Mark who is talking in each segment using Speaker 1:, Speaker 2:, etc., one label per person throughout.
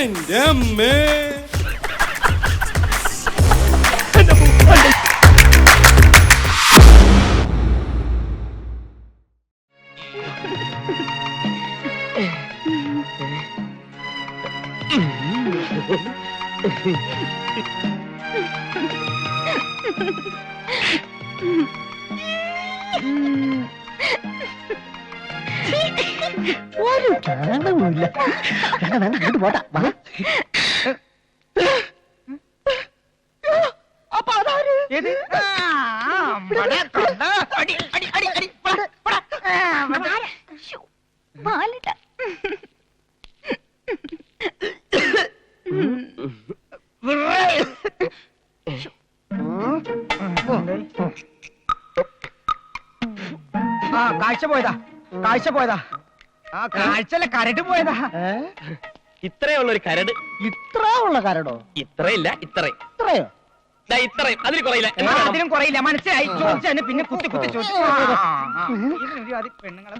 Speaker 1: എന്റെ അമ്മേ.
Speaker 2: ഒരു കാണുമില്ല. വേണ്ട വേണ്ട അങ്ങോട്ട് പോട്ടാ. അപ്പൊ അതാര്?
Speaker 3: കാഴ്ച പോയതാ, കാഴ്ച പോയതാ. ആ കാഴ്ചല്ല, കരട് പോയതാ.
Speaker 4: ഇത്രയുള്ളൊരു കരട്.
Speaker 2: ഇത്ര ഉള്ള കരടോ?
Speaker 4: ഇത്രയില്ല, ഇത്രയും.
Speaker 2: ഇത്രയോ?
Speaker 4: ഇത്രയും, അതിൽ കുറയില്ല.
Speaker 3: അതിനും കുറയില്ല. മനസ്സിലായി. ചോദിച്ചു പിന്നെ കുത്തി കുത്തി ചോദിച്ചു. പെണ്ണുങ്ങളെ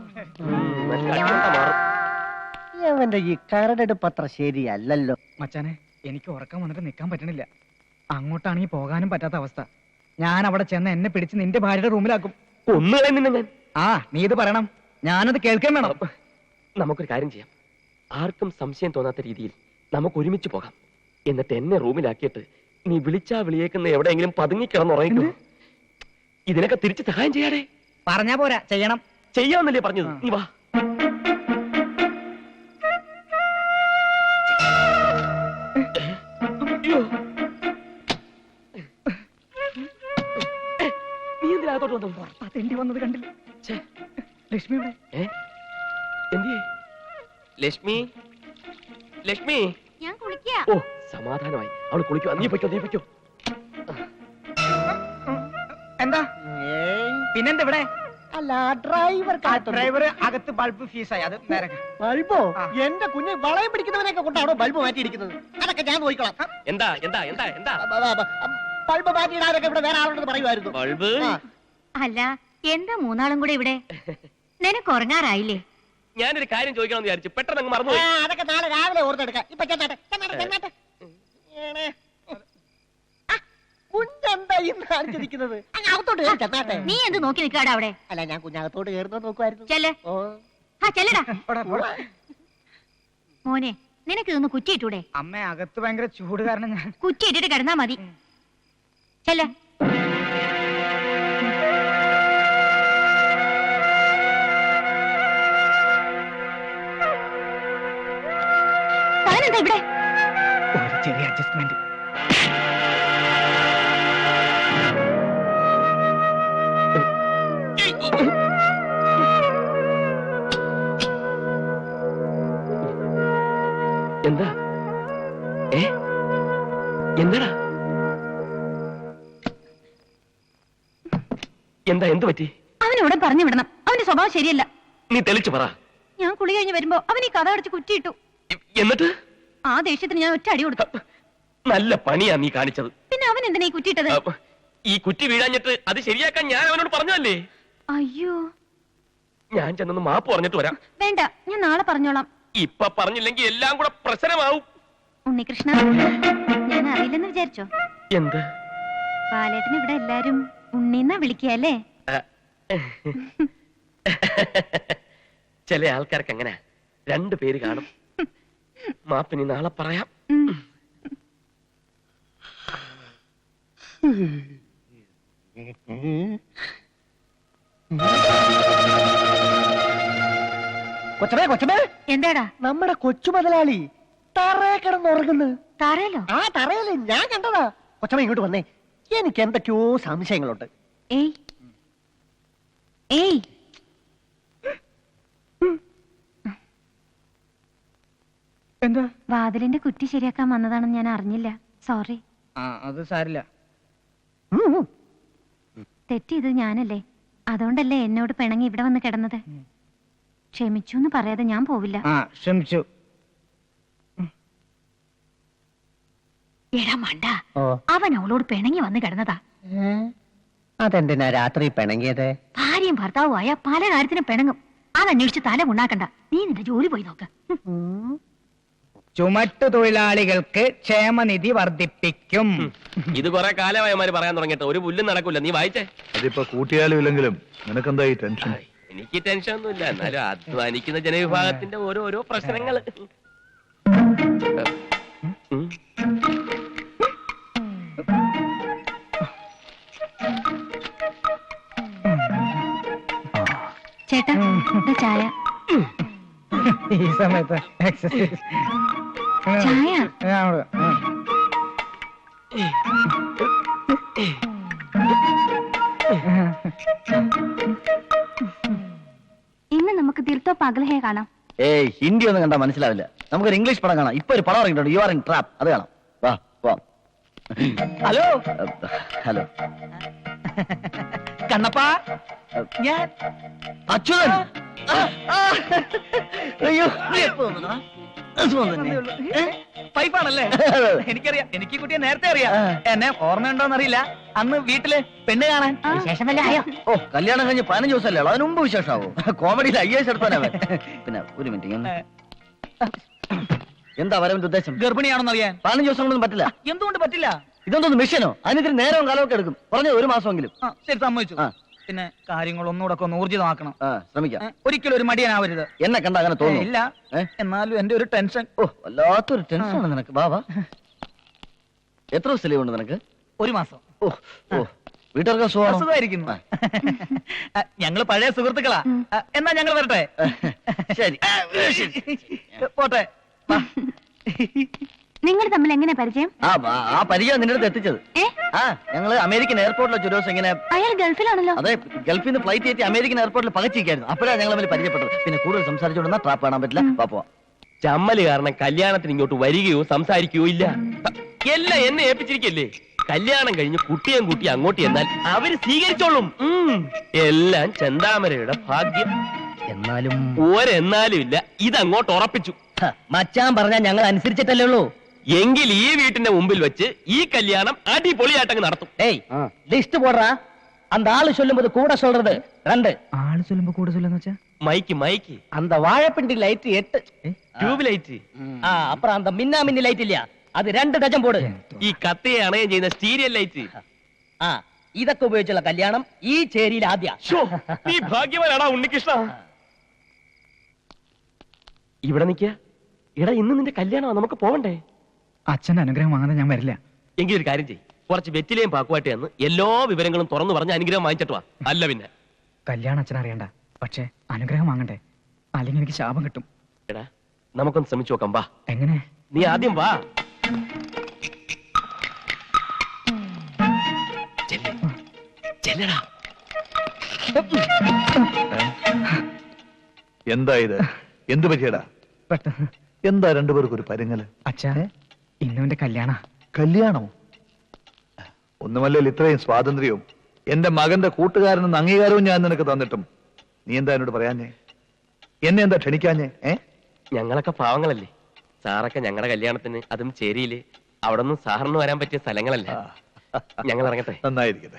Speaker 2: അവന്റെ ഈ കരടെടുപ്പ് അത്ര ശരിയല്ലല്ലോ.
Speaker 3: മച്ചാനെ, എനിക്ക് ഉറക്കം വന്നിട്ട് നിൽക്കാൻ പറ്റണില്ല. അങ്ങോട്ടാണെങ്കിൽ പോകാനും പറ്റാത്ത അവസ്ഥ. ഞാൻ അവിടെ ചെന്ന് എന്നെ പിടിച്ച് നിന്റെ ഭാര്യയുടെ റൂമിലാക്കും.
Speaker 4: ഒന്ന് തന്നെ ഞാൻ.
Speaker 3: ആ, നീ ഇത് പറയണം, ഞാനത് കേൾക്കാൻ വേണം.
Speaker 4: നമുക്കൊരു കാര്യം ചെയ്യാം. ആർക്കും സംശയം തോന്നാത്ത രീതിയിൽ നമുക്ക് ഒരുമിച്ച് പോകാം. എന്നിട്ട് എന്നെ റൂമിലാക്കിയിട്ട് നീ വിളിച്ചാ വിളിയേക്കുന്ന എവിടെയെങ്കിലും പതുങ്ങിക്കിടന്നുറങ്ങിക്കോ. ഇതിനൊക്കെ തിരിച്ച് സഹായം ചെയ്യാടേ.
Speaker 3: പറഞ്ഞാ പോരാ, ചെയ്യണം.
Speaker 4: ചെയ്യാമെന്നല്ലേ പറഞ്ഞത്? നീ വാ. നീ എന്തിനകത്തോട്ട് വന്നു?
Speaker 3: അതെന്തി വന്നത് കണ്ടില്ല. ലക്ഷ്മി
Speaker 4: ലക്ഷ്മി, ലക്ഷ്മി.
Speaker 5: ഞാൻ കുളിക്കാ.
Speaker 4: ഓ, സമാധാനമായി. അവള് കുളിക്കോ. നീ പൊയ്ക്കോ, നീ പൊയ്ക്കോ.
Speaker 3: എന്താ പിന്നെന്താ ഇവിടെ?
Speaker 2: അല്ല, ഡ്രൈവർ
Speaker 3: ഡ്രൈവർ അകത്ത് ബൾബ് ഫീസായി. അത് നേരെ.
Speaker 2: ബൾബോ? എന്റെ കുഞ്ഞ് വളയം പിടിക്കുന്നവനെയൊക്കെ കൊണ്ടാണോ ബൾബ് മാറ്റിയിരിക്കുന്നത്? അതൊക്കെ ഞാൻ നോക്കിക്കോളാം.
Speaker 4: എന്താ എന്താ എന്താ എന്താ
Speaker 2: ബൾബ് മാറ്റിയിടാനൊക്കെ ഇവിടെ വേറെ ആളുണ്ടെന്ന് പറയുമായിരുന്നു.
Speaker 4: ബൾബ്?
Speaker 5: അല്ല, എന്താ മൂന്നാളും കൂടെ ഇവിടെ? നിനക്ക് ഉറങ്ങാറായില്ലേ?
Speaker 4: ഞാനൊരു കാര്യം ചോദിക്കണമെന്ന് വിചാരിച്ചു, പെട്ടെന്ന് അങ്ങ് മറന്നു.
Speaker 2: അതൊക്കെ നാളെ രാവിലെ ഓർത്തെടുക്കാം. ഇപ്പൊ ചെന്നാട്ടെ. കുഞ്ഞെന്താ ഇന്ന് കാണിച്ചിരിക്കുന്നത്? അകത്തോട്ട് കയറി ചെന്നാട്ടെ.
Speaker 5: നീ എന്ത് നോക്കി നിൽക്കാടാ അവിടെ?
Speaker 2: അല്ല, ഞാൻ കുഞ്ഞകത്തോട്ട് കയറുന്നത് നോക്കുമായിരുന്നു.
Speaker 5: ചെല്ലേ. ചെല്ലടാ മോനെ, നിനക്ക് ഇതൊന്ന് കുറ്റിയിട്ടൂടെ?
Speaker 3: അമ്മ, അകത്ത് ഭയങ്കര ചൂട് കാരണം ഞാൻ
Speaker 5: കുറ്റിയിട്ടിട്ട് കിടന്നാ മതി. ചെല്ലേ. താനെന്താ ഇവിടെ?
Speaker 3: ഒരു ചെറിയ അഡ്ജസ്റ്റ്മെന്റ്.
Speaker 4: എന്താ? എന്താടാ? എന്താ? എന്ത് പറ്റി?
Speaker 5: അവനോട് പറഞ്ഞു വിടണം. അവന്റെ സ്വഭാവം ശരിയല്ല.
Speaker 4: നീ തെളിച്ചു പറ.
Speaker 5: ഞാൻ കുളി കഴിഞ്ഞ് വരുമ്പോ അവൻ ഈ കഥ അടച്ച് കുറ്റിയിട്ടു.
Speaker 4: എന്നിട്ട്
Speaker 5: ആ ദേഷ്യത്തിന് ഞാൻ ഒറ്റ അടി കൊടുത്തു.
Speaker 4: നല്ല പണിയാ നീ കാണിച്ചത്.
Speaker 5: പിന്നെ അവൻ എന്തിനാ ഈ കുറ്റിയിട്ടത്?
Speaker 4: ഈ കുറ്റി വീഴാഞ്ഞിട്ട് അത് ശരിയാക്കാൻ ഞാൻ അവനോട് പറഞ്ഞതല്ലേ?
Speaker 5: അയ്യോ,
Speaker 4: ഞാൻ ചെന്നൊന്ന് മാപ്പ് പറഞ്ഞിട്ട് വരാം.
Speaker 5: വേണ്ട, ഞാൻ നാളെ പറഞ്ഞോളാം.
Speaker 4: ഇപ്പൊ പറഞ്ഞില്ലെങ്കിൽ എല്ലാം കൂടെ പ്രശ്നമാവും.
Speaker 5: ഉണ്ണികൃഷ്ണ, ഞാൻ അറിയില്ലെന്ന് വിചാരിച്ചോ?
Speaker 4: എന്ത്?
Speaker 5: ബാലേട്ടന് ഇവിടെ എല്ലാരും ഉണ്ണിന്നാ വിളിക്കല്ലേ?
Speaker 4: ചില ആൾക്കാർക്ക് അങ്ങനെ രണ്ടു പേര് കാണും. മാപ്പിനി നാളെ പറയാം.
Speaker 2: കൊച്ചമേ,
Speaker 5: എന്താടാ?
Speaker 2: നമ്മുടെ കൊച്ചു മുതലാളി തറയെ കിടന്നുറങ്ങുന്നു.
Speaker 5: താരല്ലോ?
Speaker 2: ആ തറയല്ലേ, ഞാൻ കണ്ടതാ. കൊച്ചമ്മ ഇങ്ങോട്ട് വന്നേ, എനിക്ക് എന്തൊക്കെയോ സംശയങ്ങളുണ്ട്.
Speaker 5: ഏയ് ഏയ്,
Speaker 3: എന്താ?
Speaker 5: വാതിലിന്റെ കുറ്റി ശരിയാക്കാൻ വന്നതാണെന്ന് ഞാൻ അറിഞ്ഞില്ല. സോറി.
Speaker 3: അത് സാരില്ല.
Speaker 5: തെറ്റിയത് ഞാനല്ലേ. അതുകൊണ്ടല്ലേ എന്നോട് പിണങ്ങി ഇവിടെ വന്ന് കിടന്നത്. ക്ഷമിച്ചു എന്ന് പറയാതെ ഞാൻ പോവില്ല.
Speaker 3: ക്ഷമിച്ചു.
Speaker 5: എടാ മണ്ട, അവൻ അവളോട് പിണങ്ങി വന്ന് കിടന്നതാ.
Speaker 2: അതെന്തിനാ രാത്രി പിണങ്ങിയത്?
Speaker 5: ഭാര്യയും ഭർത്താവുമായ പല കാര്യത്തിനും പിണങ്ങും. അതന്വേഷിച്ച് തല ഉണ്ടാക്കണ്ട. നീ നിന്റെ ജോലി പോയി നോക്ക്.
Speaker 3: ചുമട്ടു തൊഴിലാളികൾക്ക് ക്ഷേമനിധി വർദ്ധിപ്പിക്കും.
Speaker 4: ഇത് കുറെ കാലമായമാര് പറയാൻ തുടങ്ങിയിട്ട് ഒരു പുല്ലും നടക്കൂല. നീ വായിച്ചേ.
Speaker 1: അതിപ്പോ കൂട്ടിയാലും ഇല്ലെങ്കിലും നിനക്കെന്താ ഈ ടെൻഷൻ?
Speaker 4: എനിക്ക് ടെൻഷൻ ഒന്നുമില്ല, എന്നാലും അധ്വാനിക്കുന്ന ജനവിഭാഗത്തിന്റെ ഓരോരോ പ്രശ്നങ്ങൾ.
Speaker 5: ചേട്ടാ ഇത് ചായ.
Speaker 3: ഈ സമയത്ത് എക്സസൈസ്
Speaker 5: ചായ. ഇന്ന് നമുക്ക് ദിൽത്തോ പഗൽഹേ കാണാം.
Speaker 2: ഏയ് ഹിന്ദി ഒന്നും കണ്ടാ മനസ്സിലാവില്ല. നമുക്കൊരു ഇംഗ്ലീഷ് പടം കാണാം. ഇപ്പൊ ഒരു പടം ഇറങ്ങിയിട്ടുണ്ട്, യു ആർ ഇൻ ട്രാപ്പ്. അത് കാണാം. വാ വാ.
Speaker 3: ഹലോ
Speaker 2: ഹലോ
Speaker 3: കണ്ണപ്പാ, ഞാൻ
Speaker 2: അച്യുതൻ. അയ്യോ
Speaker 3: പൈപ്പാണല്ലേ? എനിക്കറിയാം, എനിക്ക് ഈ കുട്ടിയെ നേരത്തെ അറിയാം. എന്നെ ഓർമ്മയുണ്ടോന്നറിയില്ല. അന്ന് വീട്ടില് പെണ്ണ് കാണാൻ വിശേഷം വല്ല ആയോ?
Speaker 2: ഓ, കല്യാണം കഴിഞ്ഞ് 15 ദിവസമല്ലേ ഉള്ളൂ, അതിന് മുമ്പ് വിശേഷമാവോ? കോമഡിയിൽ IAS എടുത്താനവൻ. പിന്നെ ഒരു മിനിറ്റ്, എന്താ വരവിന്റെ ഉദ്ദേശം?
Speaker 3: ഗർഭിണിയാണെന്ന് അറിയാൻ
Speaker 2: 15 ദിവസം കൊണ്ടൊന്നും പറ്റില്ല.
Speaker 3: എന്തുകൊണ്ട് പറ്റില്ല?
Speaker 2: ഇതൊന്നും മിഷനോ? അതിനിത്തിരി നേരവും കാലമൊക്കെ എടുക്കും. പറഞ്ഞത് 1 മാസമെങ്കിലും.
Speaker 3: ശരി, സമ്മതിച്ചു.
Speaker 2: ആ.
Speaker 3: പിന്നെ കാര്യങ്ങൾ ഒന്നുകൂടെ ഒന്ന് ഊർജിതമാക്കണം.
Speaker 2: ശ്രമിക്കാം.
Speaker 3: ഒരിക്കലും ഒരു മടിയനാവരുത്.
Speaker 2: എന്നെ കണ്ട അങ്ങനെ തോന്നുന്നു?
Speaker 3: ഇല്ല, എന്നാലും എന്റെ ഒരു ടെൻഷൻ.
Speaker 2: ഓ, വല്ലാത്തൊരു ടെൻഷനാണ് നിനക്ക്. ബാബാ, എത്ര ദിവസം ലീവ് ഉണ്ട് നിനക്ക്?
Speaker 3: 1 മാസം.
Speaker 2: ഓ ഓ, വീട്ടുകാർക്ക് സുഖമാണോ?
Speaker 3: സുഖമായിരിക്കുന്നു. ഞങ്ങള് പഴയ സുഹൃത്തുക്കളാ. എന്നാ ഞങ്ങൾ വരട്ടെ?
Speaker 2: ശരി,
Speaker 3: പോട്ടെ.
Speaker 5: നിങ്ങൾ തമ്മിൽ എങ്ങനെ പരിചയം?
Speaker 2: ആ പരിചയം നിന്റെ അടുത്ത് എത്തിച്ചത്. ഞങ്ങള് അമേരിക്കൻ എയർപോർട്ടിൽ വെച്ച് ഒരു ദിവസം ഇങ്ങനെ.
Speaker 5: അയാൾ ഗൾഫിലാണല്ലോ.
Speaker 2: അതെ, ഗൾഫിൽ നിന്ന് ഫ്ലൈറ്റ് കയറ്റി അമേരിക്കൻ എയർപോർട്ടിൽ പകച്ചിരിക്കായിരുന്നു. അപ്പോഴാണ് ഞങ്ങൾ തമ്മിൽ പരിചയപ്പെട്ടത്. പിന്നെ കൂടുതൽ സംസാരിച്ചുകൊണ്ടിരുന്ന ട്രാപ്പ് കാണാൻ പറ്റില്ല. പാപ്പോ
Speaker 4: ചമ്മല് കാരണം കല്യാണത്തിന് ഇങ്ങോട്ട് വരികയോ സംസാരിക്കുകയോ ഇല്ല. എല്ലാം എന്നെ ഏൽപ്പിച്ചിരിക്കല്ലേ. കല്യാണം കഴിഞ്ഞ് കുട്ടിയും കുട്ടി അങ്ങോട്ട് എന്നാൽ അവര് സ്വീകരിച്ചോളും. എല്ലാം ചെന്താമരയുടെ ഭാഗ്യം.
Speaker 2: എന്നാലും
Speaker 4: ഒരെന്നാലും ഇല്ല, ഇതങ്ങോട്ട് ഉറപ്പിച്ചു.
Speaker 2: മച്ചാൻ പറഞ്ഞാൽ ഞങ്ങൾ അനുസരിച്ചിട്ടല്ലേ ഉള്ളൂ.
Speaker 4: എങ്കിൽ ഈ വീട്ടിന്റെ മുമ്പിൽ വെച്ച് ഈ കല്യാണം അടിപൊളിയായിട്ടങ്ങ് നടത്തും.
Speaker 2: ഏയ്, ലിസ്റ്റ് പോടാ. அந்த ஆளு சொல்லும்போது கூட சொல்றது 2.
Speaker 3: ആള് ചൊല്ലുമ്പോ കൂടെ ചൊല്ലെന്ന് വെച്ചാ
Speaker 4: മൈക്ക് മൈക്ക്
Speaker 2: அந்த வாழைப்பிண்டி லைட் 8.
Speaker 4: Tube light.
Speaker 2: அப்புறம் அந்த மின்னா மின்னி லைட் இல்லையா, அது 2 ഡജൻ போடு.
Speaker 4: ഈ കത്തയെ അണയം ചെയ്യുന്ന സ്റ്റീരിയൽ ലൈറ്റ്.
Speaker 2: ഇതൊക്കെ ഉപയോഗിച്ചുള്ള കല്യാണം ഈ ചേരിയിൽ ആദ്യ.
Speaker 4: നീ ഭാഗ്യവാനാടാ ഉണ്ണികൃഷ്ണ. ഇവിടെ നിൽക്കുക. എടാ, ഇന്ന് നിന്റെ കല്യാണമാ, നമുക്ക് പോവണ്ടേ?
Speaker 3: അച്ഛന്റെ അനുഗ്രഹം വാങ്ങാതെ ഞാൻ വരില്ല.
Speaker 4: എങ്കിൽ ഒരു കാര്യം ചെയ്യും, കുറച്ച് വെറ്റിലേയും പാക്കുമായിട്ട് എന്ന് എല്ലാ വിവരങ്ങളും തുറന്നു പറഞ്ഞ് അനുഗ്രഹം വാങ്ങിച്ചിട്ട് വാ. അല്ല പിന്നെ
Speaker 3: കല്യാണം അച്ഛൻ അറിയണ്ട, പക്ഷെ അനുഗ്രഹം വാങ്ങണ്ടേ, അല്ലെങ്കിൽ എനിക്ക് ശാപം കിട്ടും.
Speaker 4: എടാ, നമുക്കൊന്ന് ശ്രമിച്ചു നോക്കാം. വാ.
Speaker 3: എങ്ങനെ?
Speaker 4: നീ ആദ്യം വാ. ചെല്ലടാ.
Speaker 1: എന്താ ഇത്? എന്ത് പറ്റിയടാ?
Speaker 3: പെട്ടെന്ന്
Speaker 1: എന്താ രണ്ടുപേർക്കും ഒരു പരുങ്ങല്?
Speaker 3: അച്ഛാ, ഇന്നുവിന്റെ കല്യാണ.
Speaker 1: കല്യാണോ? ഒന്നുമല്ലല്ലോ ഇത്രയും സ്വാതന്ത്ര്യവും എന്റെ മകന്റെ കൂട്ടുകാരനെന്ന് അംഗീകാരവും ഞാൻ നിനക്ക് തന്നിട്ടും നീ എന്താ എന്നോട് പറയാഞ്ഞേ? എന്നെ എന്താ ക്ഷണിക്കാഞ്ഞേ?
Speaker 4: ഞങ്ങളൊക്കെ പാവങ്ങളല്ലേ. സാറൊക്കെ ഞങ്ങളുടെ കല്യാണത്തിന്, അതും ചേരിയില്, അവിടെ ഒന്നും സാറിന് വരാൻ പറ്റിയ സ്ഥലങ്ങളല്ലേ. ഞങ്ങൾ ഇറങ്ങട്ടെ.
Speaker 1: നന്നായിരിക്കട്ടെ.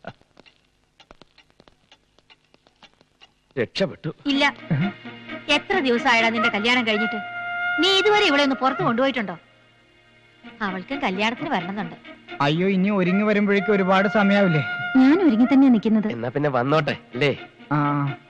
Speaker 4: രക്ഷപ്പെട്ടു.
Speaker 6: ഇല്ല, എത്ര ദിവസമായടാ നിന്റെ കല്യാണം കഴിഞ്ഞിട്ട്? നീ ഇതുവരെ ഇവിടെ ഒന്ന് പുറത്ത് കൊണ്ടുപോയിട്ടുണ്ടോ? അവൾക്ക് കല്യാണത്തിന് വരണമെന്നുണ്ട്.
Speaker 3: അയ്യോ, ഇനി ഒരുങ്ങി വരുമ്പോഴേക്കും ഒരുപാട് സമയാവില്ലേ?
Speaker 5: ഞാൻ ഒരുങ്ങി തന്നെയാ നിൽക്കുന്നത്.
Speaker 4: എന്നാ പിന്നെ വന്നോട്ടെ അല്ലേ?
Speaker 3: ആ